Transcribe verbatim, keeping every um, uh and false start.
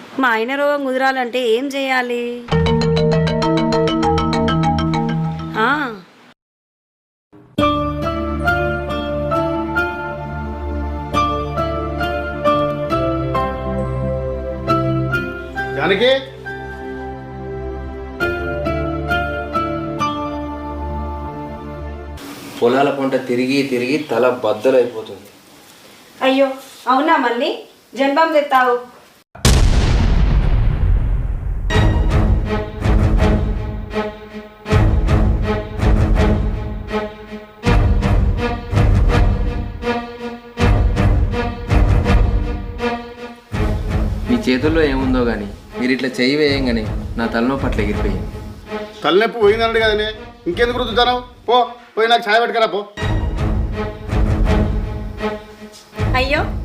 మా ఆయన రోగం కుదరాలంటే ఏం చేయాలి? ఆ, జానకి పొలాల పంట తిరిగి తిరిగి తల బద్దలైపోతుంది. అయ్యో అవునా, మళ్ళీ జన్మం తెస్తావు? మీ చేతుల్లో ఏముందో కానీ మీరు ఇట్లా చెయ్యి వేయంగానే నా తలనొప్పి అట్లా ఎగిరిపోయింది. తలనొప్పి పోయిందన్నాడు కదనే, ఇంకెందుకు రుద్దుతాను? పో పోయి నాకు ఛాయ్ పెట్టుకరా పో. అయ్యో